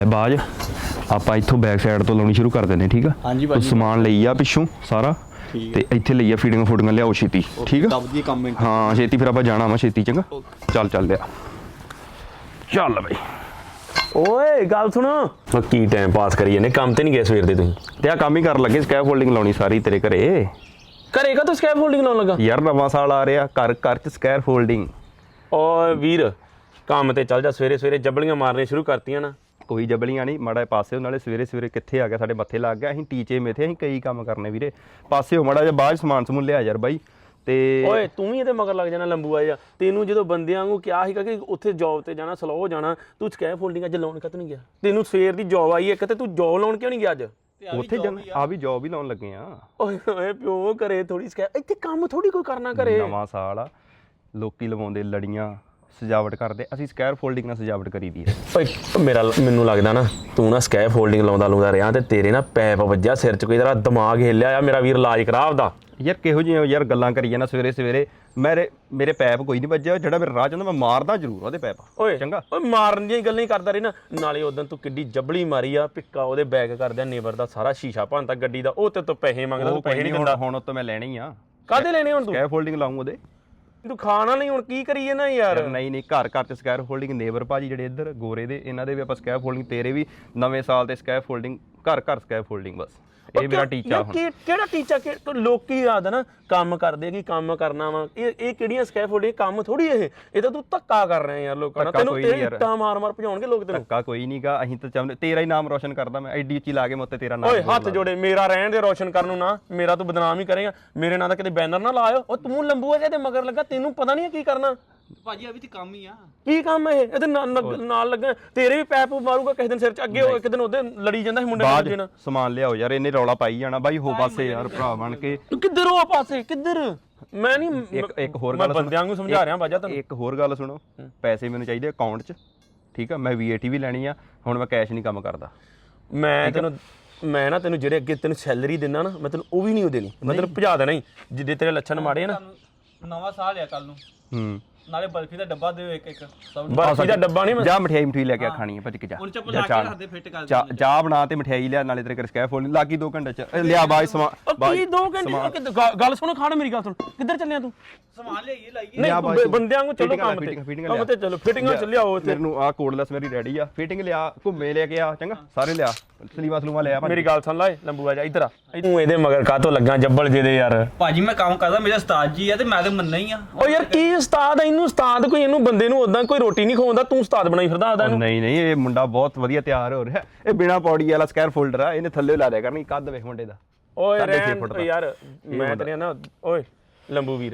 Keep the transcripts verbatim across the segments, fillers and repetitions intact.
ਬਾਜ ਆਪਾਂ ਇੱਥੋਂ ਬੈਕ ਸਾਈਡ ਤੋਂ ਲਾਉਣੀ ਸ਼ੁਰੂ ਕਰ ਦਿੰਦੇ ਠੀਕ ਆ। ਹਾਂਜੀ ਭਾਜੀ ਸਮਾਨ ਲਈ ਆ ਪਿੱਛੋਂ ਸਾਰਾ ਤੇ ਇੱਥੇ ਲਈ ਆ ਫੀਡਿੰਗ ਫੂਡਿੰਗ ਲਿਆਓ ਛੇਤੀ ਠੀਕ ਆ। ਦਬਦੀ ਕੰਮ ਮਿੰਟ ਹਾਂ ਛੇਤੀ ਫਿਰ ਆਪਾਂ ਜਾਣਾ ਵਾ ਛੇਤੀ ਚੰਗਾ। ਚੱਲ ਚੱਲ ਲਿਆ ਚੱਲ ਬਈ। ਓਏ ਗੱਲ ਸੁਣ ਕੀ ਟਾਈਮ ਪਾਸ ਕਰੀ ਜਾਂਦੇ ਕੰਮ ਤੇ ਨਹੀਂ ਗਏ ਸਵੇਰ ਦੇ ਤੁਸੀਂ ਤੇ ਆ ਕੰਮ ਹੀ ਕਰਨ ਲੱਗੇ ਸਕੈਪ ਫੋਲਡਿੰਗ ਲਾਉਣੀ ਸਾਰੀ ਤੇਰੇ ਘਰੇ। ਕਰੇਗਾ ਤੂੰ ਸਕੈਪ ਫੋਲਡਿੰਗ ਲਾਉਣ ਲੱਗਾ ਯਾਰ ਨਵਾਂ ਸਾਲ ਆ ਰਿਹਾ ਘਰ ਘਰ ਚ ਸਕੈਪ ਫੋਲਡਿੰਗ। ਓਏ ਵੀਰ ਕੰਮ ਤੇ ਚੱਲ ਜਾ ਸਵੇਰੇ ਸਵੇਰੇ ਜੱਬਲੀਆਂ ਮਾਰਨੀਆਂ ਸ਼ੁਰੂ ਕਰਤੀਆਂ ਨਾ। ਕੋਈ ਜਬਲੀਆਂ ਨਹੀਂ ਮਾੜਾ ਪਾਸੇ ਨਾਲੇ ਸਵੇਰੇ ਸਵੇਰੇ ਕਿੱਥੇ ਆ ਗਿਆ ਸਾਡੇ ਮੱਥੇ ਲੱਗ ਗਿਆ। ਅਸੀਂ ਟੀਚੇ ਮੇਥੇ ਅਸੀਂ ਕਈ ਕੰਮ ਕਰਨੇ ਵੀਰੇ ਪਾਸੇ ਹੋ ਮਾੜਾ ਜਿਹਾ ਬਾਅਦ ਸਮਾਨ ਸਮੂਨ ਲਿਆ ਯਾਰ ਬਾਈ। ਤੇ ਓਏ ਤੂੰ ਵੀ ਇਹਦੇ ਮਗਰ ਲੱਗ ਜਾਣਾ ਲੰਬੂਆ ਜਿਹਾ। ਤੈਨੂੰ ਜਦੋਂ ਬੰਦਿਆਂ ਵਾਂਗੂ ਕਿਹਾ ਸੀਗਾ ਕਿ ਉੱਥੇ ਜੌਬ ਤੇ ਜਾਣਾ ਸਲੋ ਜਾਣਾ ਤੂੰ ਸਕੈਪ ਫੋਲਡਿੰਗ ਅੱਜ ਲਾਉਣ ਕਦੋਂ ਨਹੀਂ ਗਿਆ? ਤੈਨੂੰ ਸਵੇਰ ਦੀ ਜੌਬ ਆਈ ਇੱਕ ਤੇ ਤੂੰ ਜੌਬ ਲਾਉਣ ਕਿਉਂ ਨਹੀਂ ਗਿਆ ਅੱਜ? ਉੱਥੇ ਜਾਣਾ ਆ ਵੀ ਜੌਬ ਹੀ ਲਾਉਣ ਲੱਗੇ ਆ। ਓਏ ਓਏ ਪਿਓ ਘਰੇ ਥੋੜੀ ਸਕੈਪ ਇੱਥੇ ਕੰਮ ਥੋੜੀ ਕੋਈ ਕਰਨਾ ਘਰੇ। ਨਵਾਂ ਸਾਲ ਆ ਲੋਕੀ ਲਵਾਉਂਦੇ ਲੜੀਆਂ ਸਜਾਵਟ ਕਰਦੇ ਅਸੀਂ ਸਕੈਪ ਫੋਲਡਿੰਗ ਨਾਲ ਸਜਾਵਟ ਕਰੀਦੀ ਹੈ। ਓਏ ਮੇਰਾ ਮੈਨੂੰ ਲੱਗਦਾ ਨਾ ਤੂੰ ਨਾ ਸਕੈਪ ਫੋਲਡਿੰਗ ਲਾਉਂਦਾ ਲਾਉਂਦਾ ਰਿਹਾ ਤੇ ਤੇਰੇ ਨਾ ਪੈਪ ਵੱਜਿਆ ਸਿਰ 'ਚ ਕੋਈ ਤੇਰਾ ਦਿਮਾਗ ਹਿੱਲਿਆ ਆ। ਮੇਰਾ ਵੀਰ ਇਲਾਜ ਕਰਾ ਆਪਦਾ। ਯਾਰ ਕਿਹੋ ਜਿਹੇ ਯਾਰ ਗੱਲਾਂ ਕਰੀ ਜਾਂਦਾ ਸਵੇਰੇ ਸਵੇਰੇ। ਮੇਰੇ ਮੇਰੇ ਪੈਪ ਕੋਈ ਨਹੀਂ ਵੱਜਿਆ ਜਿਹੜਾ ਮੇਰਾ ਰਾਹ ਜਾਂਦਾ ਮੈਂ ਮਾਰਦਾ ਜ਼ਰੂਰ ਉਹਦੇ ਪੈਪ। ਓਏ ਚੰਗਾ ਓਏ ਮਾਰਨ ਦੀਆਂ ਗੱਲਾਂ ਹੀ ਕਰਦਾ ਰਹੀ ਨਾ। ਨਾਲੇ ਉਦੋਂ ਤੂੰ ਕਿੱਡੀ ਜਬਲੀ ਮਾਰੀ ਆ ਪਿੱਕਾ ਉਹਦੇ ਬੈਗ ਕਰਦਿਆ ਨੇਬਰ ਦਾ ਸਾਰਾ ਸ਼ੀਸ਼ਾ ਭੰਨਤਾ ਗੱਡੀ ਦਾ। ਉਹ ਤੇ ਤੂੰ ਪੈਸੇ ਮੰਗਦਾ ਤੂੰ ਪੈਸੇ ਨਹੀਂ ਦਿੰਦਾ। ਹੁਣ ਉਹ ਤੋਂ ਮੈਂ ਲੈਣੇ ਹੀ ਆ। ਕਾਹਦੇ ਲੈਣੇ ਹੁਣ ਤੂੰ? ਸਕੈਪ ਫੋਲਡਿੰਗ ਲਾਉਂ ਉਹਦੇ। ਤੂੰ ਖਾਣਾ ਨਹੀਂ ਹੁਣ ਕੀ ਕਰੀਏ ਨਾ ਯਾਰ। ਨਹੀਂ ਨਹੀਂ ਘਰ ਘਰ ਚ ਸਕੈਪ ਫੋਲਡਿੰਗ ਨੇਬਰ ਭਾਜੀ ਜਿਹੜੇ ਇੱਧਰ ਗੋਰੇ ਦੇ ਇਹਨਾਂ ਦੇ ਵੀ ਆਪਾਂ ਸਕੈਪ ਫੋਲਡਿੰਗ ਤੇਰੇ ਵੀ ਨਵੇਂ ਸਾਲ ਤੇ ਸਕੈਪ ਫੋਲਡਿੰਗ ਘਰ ਘਰ ਸਕੈਪ ਫੋਲਡਿੰਗ ਬਸ ਇਹ ਮੇਰਾ ਟੀਚਾ ਹੁਣ। ਕਿਹੜਾ ਟੀਚਾ ਲੋਕੀ ਯਾਦ ਨਾ ਕੰਮ ਕਰਦੇ ਕਿ ਕੰਮ ਕਰਨਾ ਵਾ। ਇਹ ਇਹ ਕਿਹੜੀਆਂ ਸਕੈਪ ਫੋਲਡਿੰਗ ਕੰਮ ਥੋੜੀ ਇਹ ਇਹ ਤਾਂ ਤੂੰ ਧੱਕਾ ਕਰ ਰਿਹਾ ਯਾਰ ਲੋਕਾਂ ਨਾਲ। ਤੈਨੂੰ ਤੇਰੇ ਇੱਟਾਂ ਮਾਰ ਮਾਰ ਭਜਾਉਣਗੇ ਲੋਕ ਤੈਨੂੰ। ਧੱਕਾ ਕੋਈ ਨਹੀਂਗਾ ਅਸੀਂ ਤਾਂ ਚਾਹੁੰਦੇ ਤੇਰਾ ਹੀ ਨਾਮ ਰੋਸ਼ਨ ਕਰਦਾ ਮੈਂ ਐਡੀ ਉੱਚੀ ਲਾ ਕੇ ਮੋਤੇ ਤੇਰਾ ਨਾਮ। ਓਏ ਹੱਥ ਜੋੜੇ ਮੇਰਾ ਰਹਿਣ ਦੇ ਰੋਸ਼ਨ ਕਰਨ ਨੂੰ ਨਾ। ਮੇਰਾ ਤੂੰ ਬਦਨਾਮ ਹੀ ਕਰੇਗਾ। ਮੇਰੇ ਨਾਂ ਦਾ ਕਿਤੇ ਬੈਨਰ ਨਾ ਲਾਇਓ। ਉਹ ਤੂੰ ਲੰਬੂਆ ਜਿਹੇ ਮਗਰ ਲੱਗਾ ਤੈਨੂੰ ਪਤਾ ਨਹੀਂ ਕੀ ਕਰਨਾ। ਭਾਜੀ ਆ ਵੀ ਤੇ ਕੰਮ ਹੀ ਆ। ਕੀ ਕੰਮ ਇਹ ਇਹਦੇ ਨਾਲ ਲੱਗਾ ਤੇਰੇ ਵੀ ਪੈਪ ਮਾਰੂਗਾ ਕਿਸੇ ਦਿਨ ਸਿਰ 'ਚ। ਅੱਗੇ ਇੱਕ ਦਿਨ ਉਹਦੇ ਲੜੀ ਜਾਂਦਾ ਸੀ ਮੁੰਡੇ ਦੂਜੇ ਨਾਲ। ਸਮਾਨ ਲਿਆਓ ਯਾਰ ਇਹਨੇ ਰੌਲਾ ਪਾਈ ਜਾਣਾ ਬਾਈ ਹੋ ਪਾਸੇ ਯਾਰ ਭਰਾ ਬਣ ਕੇ। ਕਿੱਧਰ ਹੋ ਪਾਸੇ ਕਿੱਧਰ? ਮੈਂ ਨਹੀਂ ਇੱਕ ਇੱਕ ਹੋਰ ਮੈਂ ਗੱਲ ਬੰਦਿਆਂ ਨੂੰ ਸਮਝਾ ਰਿਹਾ ਬਾਜਾ ਤੈਨੂੰ। ਇੱਕ ਹੋਰ ਗੱਲ ਸੁਣੋ ਪੈਸੇ ਮੈਨੂੰ ਚਾਹੀਦੇ ਅਕਾਊਂਟ 'ਚ ਠੀਕ ਆ। ਮੈਂ ਵੀਏਟੀ ਵੀ ਲੈਣੀ ਆ ਹੁਣ ਮੈਂ ਕੈਸ਼ ਨਹੀਂ ਕੰਮ ਕਰਦਾ। ਮੈਂ ਤੈਨੂੰ ਮੈਂ ਨਾ ਤੈਨੂੰ ਜਿਹੜੇ ਅੱਗੇ ਤੈਨੂੰ ਸੈਲਰੀ ਦਿੰਦਾ ਨਾ ਮੈਂ ਤੈਨੂੰ ਉਹ ਵੀ ਨਹੀਂ ਦੇਣੀ। ਮੈਂ ਤੈਨੂੰ ਭਜਾ ਦੇਣਾ ਹੀ ਜਿੱਦੇ ਤੇਰੇ ਲੱਛਣ ਮਾੜੇ ਆ ਨਾ। ਨਵਾਂ ਸਾਲ ਆ ਕੱਲ ਨੂੰ। ਹੂੰ ਨਾਲੇ ਬਰਫੀ ਦਾ ਡੱਬਾ ਦਿਓ ਇੱਕ ਇੱਕ ਸਭ ਨੂੰ। ਬਰਫੀ ਦਾ ਡੱਬਾ ਨਹੀਂ ਮੈਂ ਜਾ ਮਠਿਆਈ ਮਠੂਈ ਲੈ ਕੇ ਆ ਖਾਣੀ ਹੈ ਭੱਜ ਕੇ ਜਾ। ਹੁਣ ਚੱਪਲ ਲਾ ਕੇ ਰੱਖਦੇ ਫਿੱਟ ਕਰ ਚਾਹ ਚਾਹ ਬਣਾ ਤੇ ਮਠਿਆਈ ਲਿਆ ਨਾਲੇ ਤੇਰੇ ਕਰ ਸਕੈਪ ਫੋਲਡਿੰਗ ਲਾਗੀ ਦੋ ਘੰਟੇ ਚ ਲਿਆ ਬਾਈ ਸਮਾਨ। ਕੀ ਦੋ ਘੰਟੇ ਗੱਲ ਸੁਣ ਖਾਣ ਮੇਰੀ ਗੱਲ ਸੁਣ। ਕਿੱਧਰ ਚੱਲਿਆ ਤੂੰ? ਸਮਾਨ ਲਿਆਈਏ ਲਾਈਏ। ਨਹੀਂ ਬੰਦਿਆਂ ਨੂੰ ਚਲੋ ਕੰਮ ਤੇ ਕੰਮ ਤੇ ਚਲੋ ਫਿਟਿੰਗਾਂ ਚ ਲਿਆਓ ਇੱਥੇ। ਮੈਨੂੰ ਆ ਕੋਡਲੈਸ ਮੇਰੀ ਰੈਡੀ ਆ ਫਿਟਿੰਗ ਲਿਆ ਘੁੰਮੇ ਲੈ ਕੇ ਆ ਚੰਗਾ ਸਾਰੇ ਲਿਆ ਸਲੀਵਾ ਸਲੂਵਾ ਲਿਆ। ਮੇਰੀ ਗੱਲ ਸੁਣ ਲੈ ਲੰਬੂਆ ਜਾ ਇੱਧਰ ਆ। ਤੂੰ ਇਹਦੇ ਮਗਰ ਕਾਹਤੋਂ ਲੱਗਾ ਜੱਬਲ ਜਿਹਦੇ ਯਾਰ। ਭਾਜੀ ਮੈਂ ਕੰਮ ਕਰਦਾ ਮੇਰਾ ਉਸਤਾਦ ਜੀ ਆ ਤੇ ਮੈਂ ਤੇ ਮੰਨਣਾ ਹੀ ਆ। ਓ ਯਾਰ ਕੀ ਉਸਤਾਦ ਆ ਇਹਨੂੰ ਉਸਤਾਦ ਕੋਈ ਇਹਨੂੰ ਬੰਦੇ ਨੂੰ ਉਦਾਂ ਕੋਈ ਰੋਟੀ ਨਹੀਂ ਖਵਾਉਂਦਾ ਤੂੰ ਉਸਤਾਦ ਬਣਾਈ ਫਿਰਦਾ ਆਦਾ ਇਹਨੂੰ। ਨਹੀਂ ਨਹੀਂ ਇਹ ਮੁੰਡਾ ਬਹੁਤ ਵਧੀਆ ਤਿਆਰ ਹੋ ਰਿਹਾ। ਇਹ ਬਿਨਾ ਪੌੜੀ ਵਾਲਾ ਸਕੈਰ ਫੋਲਡਰ ਆ ਇਹਨੇ ਥੱਲੇ ਲਾ ਦਿਆ ਕਰਨੀ ਕੱਦ ਵੇਖ ਮੁੰਡੇ ਦਾ। ਓਏ ਰਹਿਣ ਯਾਰ ਮੈਂ ਤੇਰੇ ਨਾ ਓਏ ਲੰਬੂ ਵੀਰ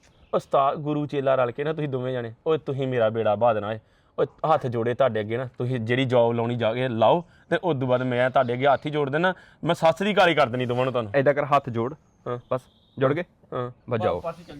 ਉਸਤਾਦ ਗੁਰੂ ਚੇਲਾ ਰਲ ਕੇ ਨਾ ਤੁਸੀਂ ਦੋਵੇਂ ਜਾਣੇ ਓਏ ਤੁਸੀਂ ਮੇਰਾ ਬੇੜਾ ਬਾਹ ਦੇਣਾ ਏ। ਓਏ ਹੱਥ ਜੋੜੇ ਤੁਹਾਡੇ ਅੱਗੇ ਨਾ ਤੁਸੀਂ ਜਿਹੜੀ ਜੌਬ ਲਾਉਣੀ ਜਾ ਕੇ ਲਾਓ ਤੇ ਉਸ ਤੋਂ ਬਾਅਦ ਮੈਂ ਤੁਹਾਡੇ ਅੱਗੇ ਹੱਥ ਹੀ ਜੋੜ ਦੇਣਾ। ਮੈਂ ਸੱਸ ਦੀ ਗਾਲੀ ਕਰ ਦੇਣੀ ਦੋਵਾਂ ਨੂੰ ਤੁਹਾਨੂੰ। ਏਦਾਂ ਕਰ ਹੱਥ ਜੋੜ ਬਸ ਜੁੜ ਗਏ ਹਾਂ ਵਜਾਓ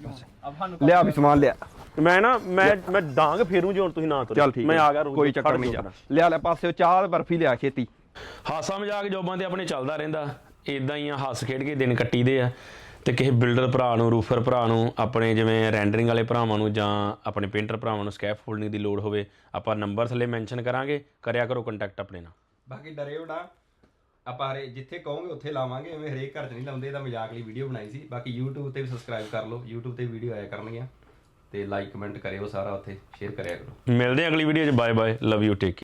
ਆਪਾਂ ਲਿਆ ਵੀ ਸਮਾਨ ਲਿਆ। ਮੈਂ ਨਾ ਮੈਂ ਮੈਂ ਡਾਂਗ ਫੇਰੂ ਜੇ ਹੁਣ ਤੁਸੀਂ ਨਾ ਤੁਰੇ। ਚੱਲ ਠੀਕ ਮੈਂ ਆ ਗਿਆ ਕੋਈ ਚੱਕਰ ਨਹੀਂ। ਲਿਆ ਲੈ ਪਾਸੇ ਚਾਹ ਬਰਫੀ ਲਿਆ ਛੇਤੀ। ਹਾਸਾ ਮਜ਼ਾਕ ਜੋਬਾਂ ਤੇ ਆਪਣੇ ਚੱਲਦਾ ਰਹਿੰਦਾ ਇਦਾਂ ਹੀ ਆ। ਹੱਸ ਖੇਡ ਕੇ ਦਿਨ ਕੱਟੀਦੇ ਆ। ਤੇ ਕਿਸੇ ਬਿਲਡਰ ਭਰਾ ਨੂੰ ਰੂਫਰ ਭਰਾ ਨੂੰ ਆਪਣੇ ਜਿਵੇਂ ਰੈਂਡਰਿੰਗ ਵਾਲੇ ਭਰਾਵਾਂ ਨੂੰ ਜਾਂ ਆਪਣੇ ਪੇਂਟਰ ਭਰਾਵਾਂ ਨੂੰ ਸਕੈਪ ਫੋਲਡਿੰਗ ਦੀ ਲੋੜ ਹੋਵੇ ਆਪਾਂ ਨੰਬਰ ਥੱਲੇ ਮੈਂਸ਼ਨ ਕਰਾਂਗੇ ਕਰਿਆ ਕਰੋ ਕੰਟੈਕਟ ਆਪਣੇ ਨਾਲ। ਬਾਕੀ ਡਰਿਓ ਨਾ ਆਪਾਂ ਜਿੱਥੇ ਕਹੋਗੇ ਉੱਥੇ ਲਾਵਾਂਗੇ ਐਵੇਂ ਹਰੇਕ ਘਰ 'ਚ ਨਹੀਂ ਲਾਉਂਦੇ। ਇਹਦਾ ਮਜ਼ਾਕ ਲਈ ਵੀਡੀਓ ਬਣਾਈ ਸੀ। ਬਾਕੀ YouTube ਤੇ ਵੀ ਸਬਸਕ੍ਰਾਈਬ ਕਰ ਲਓ। YouTube ਤੇ ਵੀਡੀਓ ਆਇਆ ਕਰਨਗੀਆਂ ਤੇ ਲਾਈਕ ਕਮੈਂਟ ਕਰਿਓ ਸਾਰਾ ਉੱਥੇ ਸ਼ੇਅਰ ਕਰਿਆ ਕਰੋ। ਮਿਲਦੇ ਹਾਂ ਅਗਲੀ ਵੀਡੀਓ 'ਚ। Bye bye love you take.